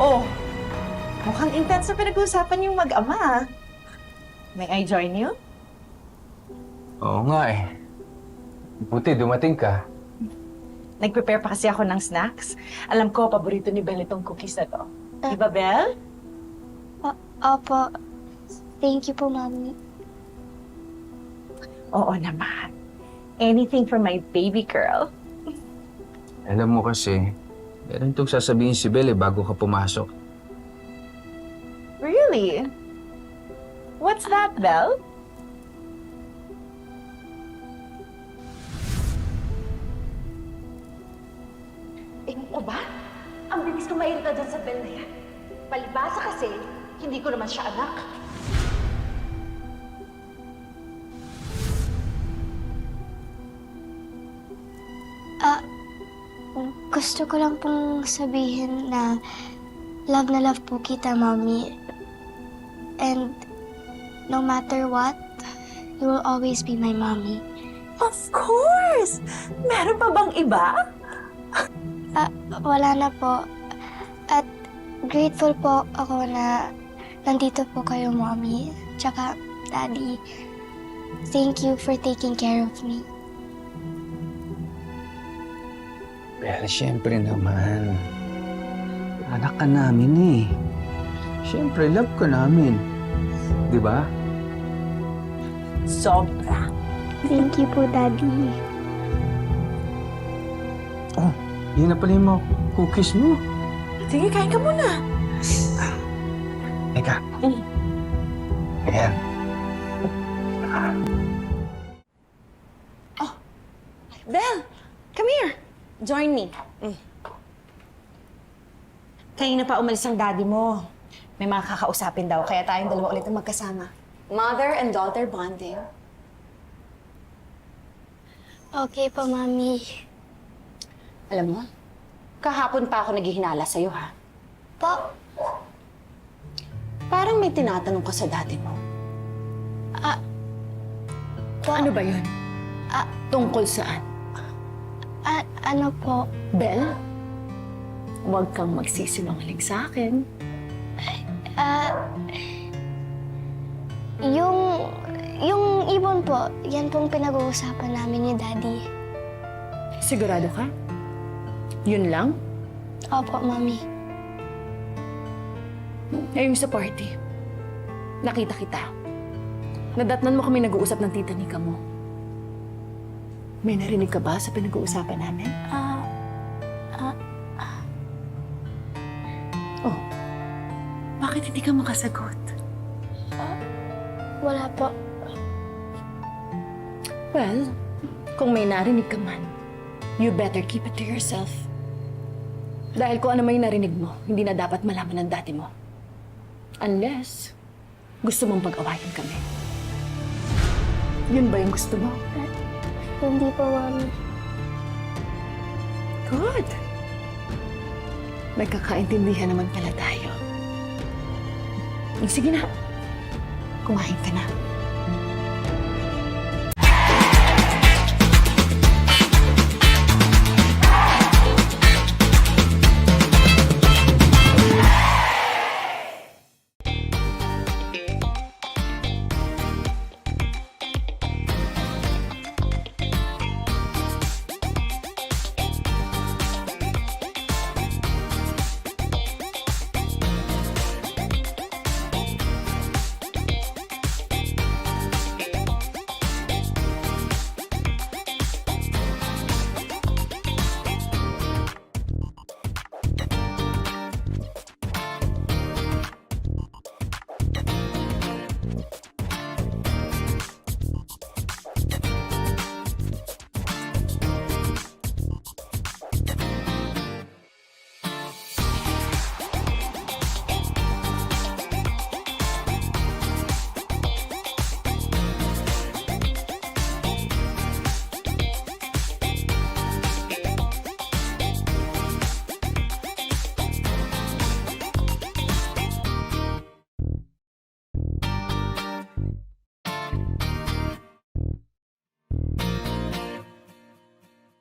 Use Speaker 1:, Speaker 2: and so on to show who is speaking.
Speaker 1: Oh, mukhang intense na pinag-uusapan yung mag-ama. May I join you?
Speaker 2: Oo nga eh. Buti dumating ka.
Speaker 1: Nag-prepare pa kasi ako ng snacks. Alam ko, paborito ni Belle itong cookies na to. Di ba, Belle?
Speaker 3: Opo. Thank you po, Mami.
Speaker 1: Oo naman. Anything for my baby girl.
Speaker 2: Alam mo kasi, meron itong sasabihin si Belle bago ka pumasok.
Speaker 1: Really? What's that, Belle?
Speaker 4: Ewan ko ba? Ang bilis ko mairita dyan sa Belle na yan. Palibasa kasi, hindi ko naman siya anak.
Speaker 3: Gusto ko lang pong sabihin na love po kita, Mami. And no matter what, you will always be my mommy.
Speaker 1: Of course! Meron pa bang iba?
Speaker 3: Wala na po. At grateful po ako na nandito po kayo, Mommy. Tsaka, Daddy. Thank you for taking care of me.
Speaker 2: Pero siyempre naman, anak ka namin eh. Siyempre, love ka namin. Di ba?
Speaker 1: Sobra.
Speaker 3: Thank you po, Daddy.
Speaker 2: Oh, yun na pala yung mga cookies mo.
Speaker 1: Sige, kain ka muna.
Speaker 2: Teka. Ayan.
Speaker 4: Belle, come here. Join me. Kanina pa umalis ang daddy mo. May mga kakausapin daw, kaya tayong dalawa ulit ang magkasama. Mother and daughter bonding.
Speaker 3: Okay po, Mami.
Speaker 4: Alam mo, kahapon pa ako naghihinala sa'yo, ha?
Speaker 3: Po?
Speaker 4: Parang may tinatanong ka sa daddy mo.
Speaker 3: Po?
Speaker 4: Ano ba yun? Tungkol saan?
Speaker 3: Ano po?
Speaker 4: Belle, huwag kang magsisinungaling sa akin.
Speaker 3: Yung ibon po, yan pong pinag-uusapan namin ni Daddy.
Speaker 4: Sigurado ka? Yun lang?
Speaker 3: Opo, Mami.
Speaker 4: Ngayong sa party, nakita kita. Nadatnan mo kami nag-uusap ng tita Nika mo. May narinig ka ba sa pinag-uusapan namin? Oh, bakit hindi ka makasagot?
Speaker 3: Wala po.
Speaker 4: Well, kung may narinig ka man, you better keep it to yourself. Dahil kung ano may narinig mo, hindi na dapat malaman ng dati mo. Unless, gusto mong pag-awayan kami. Yun ba yung gusto mo?
Speaker 3: Hindi po, Mami.
Speaker 4: Good. Nagkakaintindihan naman pala tayo. Sige na. Kumain ka na.